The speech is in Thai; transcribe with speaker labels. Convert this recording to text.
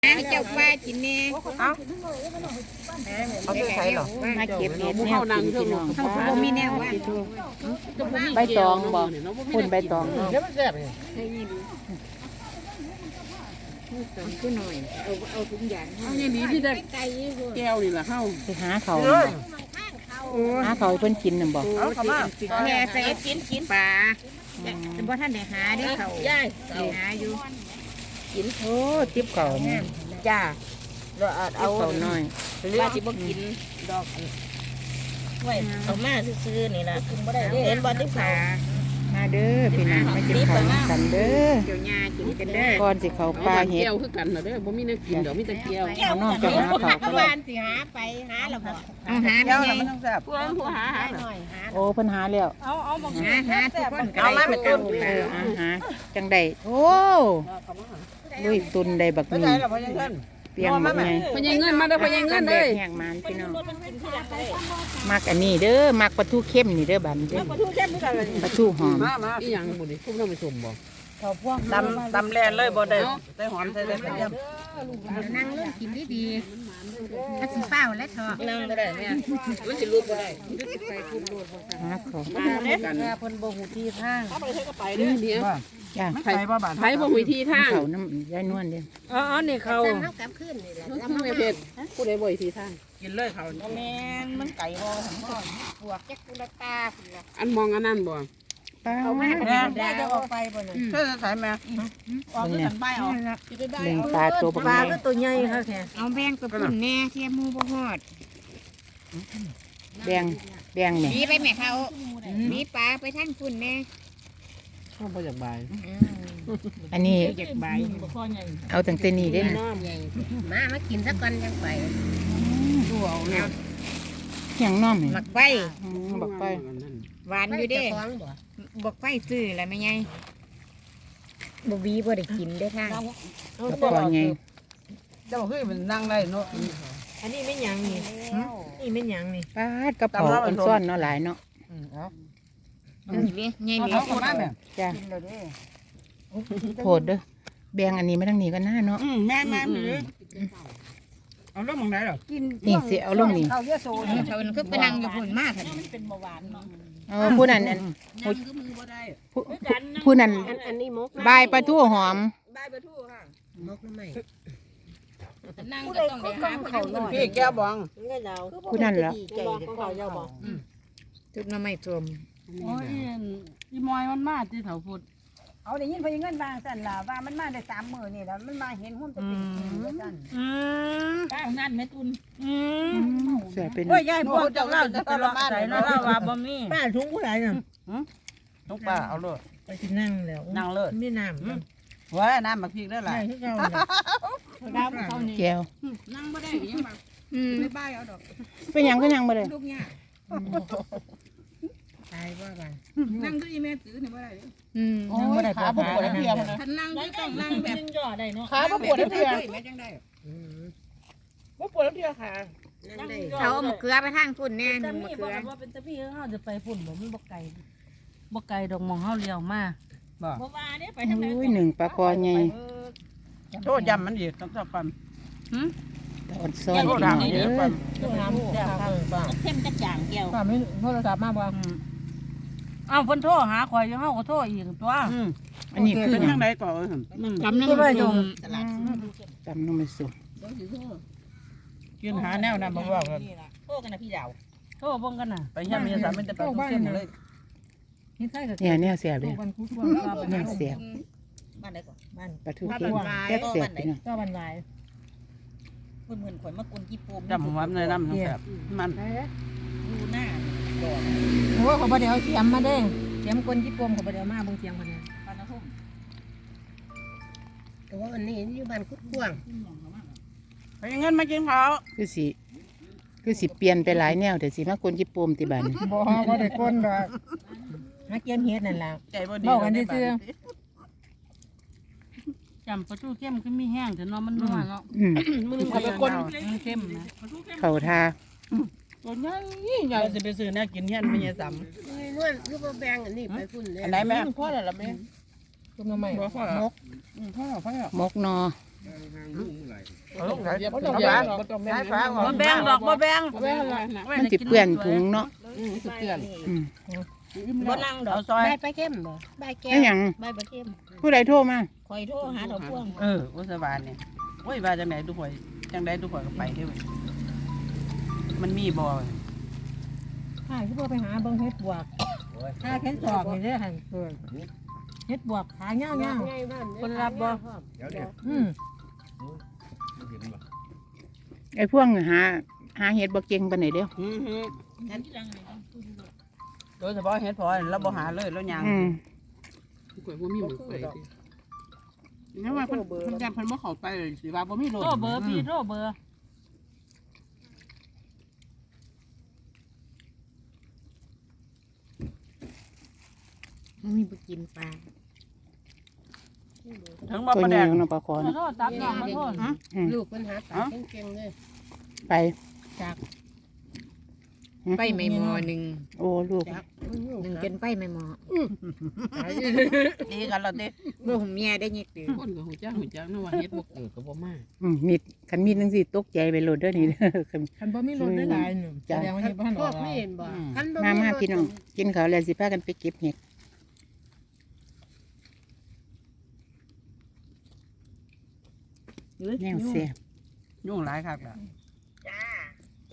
Speaker 1: ให้เจ้าป้ากินแน่
Speaker 2: เอาไปใส่หรอ
Speaker 1: มาเก็บเห็ดแนวกินพี่น้องเขาบ่มีแนวว่า
Speaker 3: ใบตองบ่คนใบตอง
Speaker 2: เดี๋ยวมันแซ่บนี่
Speaker 1: ขึ้นหน่อยเอาทุกอย่างเอา
Speaker 4: อย่างนี้ที่ได้แก้วนี่แหละเข้า
Speaker 3: ไปหาเขาหาเขาเพิ่นกินน่ะบ่
Speaker 2: เอาเข้ามา
Speaker 1: แค่ใส่กินปลาเป็นบ่ท่านได้หาได้เขาหาอยู่กิน
Speaker 3: โอ้ติ๊บเขานี่
Speaker 1: จ้าเรา
Speaker 3: เอาเขาน้อย
Speaker 1: ว่าสิบ่กินดอกไว้เอามาซื้อๆนี่ล่ะกินบ่ได้เห็นบ่ติ๊บเขา
Speaker 3: มาเด้อพี่น้องมากินข้าวกันเด้อ
Speaker 1: เกี่ยวหญ้ากินกันเด้อ
Speaker 3: ก่อนสิเขาปลาเห็ด
Speaker 4: แก้วคือกันน่ะเด้อบ่มีแนวกินดอกมีแต่แก้ว
Speaker 3: เอาน้องจะหาเขาก็
Speaker 1: บ้านสิหาไปหาแล้วบ่เอาหาได้ไง
Speaker 2: มันต้องแซ่บ
Speaker 4: ผู้หา
Speaker 1: หน่อยหา
Speaker 3: โอ้เพิ่นหาแล้ว
Speaker 1: เอาบ่หาทุกคน
Speaker 3: เอามาเป็นต้นหาจังได๋โอ้ลุยตุนได้บักนี้เปียงบักไง
Speaker 4: พญาเงินมาเด้อพญาเงินเด้อ
Speaker 3: แห้งมันพี่น้องมักอันนี้เด้อมักปลาทูเข้มนี่เด้อบัดนี้เด้อ
Speaker 1: ปลาทูเข้มคือกัน
Speaker 3: ปลาทูหอม
Speaker 4: อีหยังบ่ดิพุ่มน้ำไปชมบ่
Speaker 2: ตำแลนเลยบ่ได้ใส่หอมใส่ได้เยี่ยม
Speaker 1: นั่งเรื่องกินดีๆถ้าสิเฝ้าและทอนั่งบ่ได้แม่มันสิรูปบ่ได้ไปคุมรูปบ่ซั่น
Speaker 3: หาของ
Speaker 1: มาเด้อเพิ่นบ่ฮู้ที่ทาง
Speaker 4: เอาไปเฮ็ดก็ไปเด้อเดี๋ยว
Speaker 3: จ้ะ
Speaker 4: ไผบ่ฮู้ที่ทาง
Speaker 3: เขาน้ำยายนวลเด้อ
Speaker 1: อ๋อนี่เขาเฮากลับคืนนี่แหละ
Speaker 4: ทำไมเผ็ดผู้ใดบ่ฮู้ที่ทาง
Speaker 2: กินเลยเขา
Speaker 1: แม่นมันไก่บ่หั่นบ่พวกจักกุลตาพุ่นล่ะ
Speaker 4: อันมองอันนั้นบ่
Speaker 1: เอามาได้จะออกไปบ่นี่
Speaker 2: เธอใส่แม่ออกคือกันใบออก
Speaker 3: เลี้ยงปลาตัวปลา
Speaker 1: ก็ตัวใหญ่ค่ะแค่เอาแบ่งไปพุ่นแน่เทียมหมู่บ่ฮอด
Speaker 3: แบ่งนี่
Speaker 1: มีไปแม่เขามีปลาไปทางพุ่นแน่
Speaker 4: ข้าวบ่อยากบาย
Speaker 3: อันนี้
Speaker 1: อยากบาย
Speaker 3: เอาตั้งแต่นี้เด้อ
Speaker 1: มากินซะก่อนจังไป
Speaker 4: ดูเอาแนว
Speaker 3: หยังน้อมนี่
Speaker 1: บักใบ
Speaker 3: บักไป
Speaker 1: หวานอยู่เด้บักไฟซื้อแล้วแม่ใหญ่บ่บีบ่ได้กินเด้อค่ะ
Speaker 3: บักปอใหญ่
Speaker 2: เจ้าคือมันนั่งได้เนาะ
Speaker 1: อันนี้ไม่หยังนี่นี่ไม่หยังนี่
Speaker 3: ปลากระเพาะอันซ่อนเนาะหลายเนาะ
Speaker 1: นี่ใหญ่เหลือคน
Speaker 3: จ้ะโพดเด้อแบ่งอันนี้มาทางนี้ก็น่าเนาะ
Speaker 2: แม่เอาลงมองไหนหรอ
Speaker 3: นี่สิเอาลงนี่
Speaker 1: เขาเยอะโซนเขาคือไปนั่งอยู่พุ่นมากมันเป็นเบาหวานเนา
Speaker 3: ะผู้นั้นผู้นั้น
Speaker 1: อันนี้มก
Speaker 3: ใบปลาทูหอม
Speaker 1: ใบปลาทูค่ะมกน้ำใหม่
Speaker 2: นั่งก็ต้องไปหาเขาหน่อยพี่แก้วบอง
Speaker 3: ผู้นั้นเหรอ
Speaker 1: เขาเจ้าบองจุดน้ำใหม่จม
Speaker 4: โอ้ยอีมอยมันมาที่แถวพุด
Speaker 1: เอาได้ยินพยิเงินบางสั่นล่ะว่ามันมาได้3 มื้อนี่แล้วมันมาเห็นหุ้มจะเป็นสั่นป้านั่นแม่ตุน
Speaker 3: เสียเป็น
Speaker 1: โอ้ยยายพวกเจ้าเล่าจะตลอดใส่เนาะว่าบ่มีป้าถุงผู้ใดน่ะ
Speaker 2: ทุกป้าเอาเลย
Speaker 1: ไปสินั่งแล้ว
Speaker 2: นั่งเลย
Speaker 1: มีน้ำ
Speaker 2: ว้าน้ำมาพริกได้หลาย
Speaker 3: แก้ว
Speaker 4: นั่งบ่ได้ยังแบบไม่บ้าเอาดอก
Speaker 3: เป็นยังก็ยังบ่ได้
Speaker 4: ลูกเนี่ย
Speaker 1: ตายว่ากัน
Speaker 4: นั่งด้วยแม่ตื้อเนี่ยบ่ได้
Speaker 3: นั่งบ่ได้ขาบ่ปวดเพียง
Speaker 4: ท่านนั่งต้องนั่งแบบ
Speaker 1: ย่อได้เนาะ
Speaker 3: ขาบ่ปวดเพียง
Speaker 4: แม่จังได้
Speaker 3: บ่ปวดเพียงขา
Speaker 1: เขาเอามะเขือไปทางพุ่นแน่มะเขือ
Speaker 5: ว่าเป็นตะพี่เฮาจะไปพุ่นบ่มันบ่ไกลดอกมองเฮาเลี้ยวมา
Speaker 4: บ่
Speaker 1: ว่าเนี่ยไปทางไหน
Speaker 3: อุ้ยหนึ่งปลาคอใหญ่
Speaker 2: โตยำมันอีกต้องจับปั๊ม
Speaker 3: ตอนซ้อนดังเด้อ
Speaker 1: เข้มกระจ่างเกี่ยว
Speaker 5: มีโทรศัพท์มาบ่อ้าวเพิ่นโทรหาข่อยอยู่เฮาก็โทรอีกตัว
Speaker 3: อันนี้คือ
Speaker 2: ทางไหนก่อน
Speaker 1: จำน้ำมันส่ง
Speaker 3: จำน้ำมันส่ง
Speaker 2: ยืนหาแนวนั้นบ่ว่ากัน
Speaker 1: โทรกันนะพี่ดาว
Speaker 5: โทรเบิ่งกันน่ะ
Speaker 2: ไปย่ำมีสามมันจะไปทุกเส้นเลย
Speaker 3: เนี่ยเสียบเลยเนี่ยเสียบ
Speaker 1: บ้านไหนก่อนบ้าน
Speaker 3: ปลาทูเค็มเสียบพี่น้อง
Speaker 5: ก็บรรลัย
Speaker 1: เหมือนข่อยมากวนกี่ปูม
Speaker 2: จำผมว่าในน้ำมันแซ่บมัน
Speaker 1: ดูหน้า
Speaker 5: โอ้ขอบ่ได้เอาเสียมมาเด้เสียมกวนกี่ปมขอบ่ได้เอามาเบิ่งเสียงเพิ่นนี่
Speaker 1: ปานทุ่มแต่ว่าวันนี้อยู่บ้านกุดกวาง
Speaker 2: ไปเงินมากินข้าว
Speaker 3: คือสิเปลี่ยนไปหลายแนวแต่สิมากวนญี่ปุ่มติบัน
Speaker 5: บ่ได้กวนดอกหาเก็บเฮ็ดนั่นล่ะ
Speaker 2: ใจบ่ดี
Speaker 5: เว้ากันซื่อจำปลาทูเข้มคือมีแห้งแต่เนาะมันนัวเนาะ
Speaker 2: มึงไปกวน
Speaker 5: มันเข้มนะ
Speaker 3: เข้าทา
Speaker 2: ตัวใหญ่ใหญ่จะไปซื้อแนวกินเฮียนไม่ใช่ซ้
Speaker 1: ำนวลคือบ่แบ่งอันนี้ไปพุ่นเลย
Speaker 2: อันไหนแม่พ่อแล้วล่ะแม่
Speaker 5: ตุ้มน้ำใหม่
Speaker 2: มกพ่อ
Speaker 3: มกนอเอาลงไหน
Speaker 4: บ่ต้องแบ่งบ่ต้องแบ่งบ่แบ่งดอกบ่แบ่ง
Speaker 3: มันสิเปื้อนถุงเนาะ
Speaker 4: สิเตือน
Speaker 3: อืม
Speaker 2: บ่นั่งดอก
Speaker 3: เอาซอย
Speaker 1: ใบปลาเข้มบ่ใบแก้
Speaker 3: แล้ว
Speaker 1: ว
Speaker 3: หยัง
Speaker 2: ใบบ่เข้ม
Speaker 3: ผู้ใดโทรมา
Speaker 2: คอยโทรหาดอกพวง
Speaker 4: ว่าสบายเนี่ยโอ้ยว่าจังไหนทุกคนจังไดทุกคนก็ไปได้เว้ยมันมีบ่
Speaker 5: ถ้าคือบ่ไปหาเบิ่งเฮ็ดบวกถ้าเห็นตอกนี่เด้อหั่นเฮ็ดบวกขาเงา
Speaker 4: คนรับบ่
Speaker 5: ๆอืม
Speaker 3: ไอ้พวกหาเห็ดบ่เก่งปานไหนเด้อ
Speaker 4: โดยเฉพาะเฮ็ดพอเราบ่หาเลยแล้วยาง
Speaker 3: อืม
Speaker 6: ข่อยบ่มีหมึกไปติเนี่ยว่าเพิ่นยันเพิ่นบ่เข้าไปเลยสิว่าบ่มีโลด
Speaker 4: โทรเบอร์พี่โทรเบอร์
Speaker 1: มันมีบ่กินปลา
Speaker 4: ถึงบ่
Speaker 3: ตัว
Speaker 4: ประ
Speaker 3: เห
Speaker 4: แด
Speaker 3: นีย
Speaker 4: ง
Speaker 3: วเนาะปลาคอ
Speaker 4: มา
Speaker 3: เนาะ
Speaker 4: โทรตับน้องมาโทร
Speaker 1: ลูกมันหาปลาเก่งๆเลย
Speaker 3: ไป
Speaker 1: ไปไม่หมอหนึ่ง
Speaker 3: โอ้ลูก
Speaker 1: หนึ่งจนไปไม่หมอ
Speaker 4: ดีกันแล้วติ
Speaker 1: ลูกเมียได้ยิกตื่น
Speaker 6: คนก็ฮู้จักนะว่าเฮ็ดบ่เกิดก็บ่มา
Speaker 3: มีดคันมีดจังซี่ตกใจไปโลดเด้อนี่เด้อคัน
Speaker 5: คันบ่มีรถได้หลายหนึงแสดงว่าเฮ็ดบ่ทัน
Speaker 1: พ
Speaker 5: อ
Speaker 1: ว
Speaker 5: อก ก
Speaker 1: ไม่เห็นบ่
Speaker 3: มาพี่น้องกินข้าวแล้วสิพากันไปเก็บเห็ดแนวแซ่บ
Speaker 4: ยุ่งหลายคักล่ะ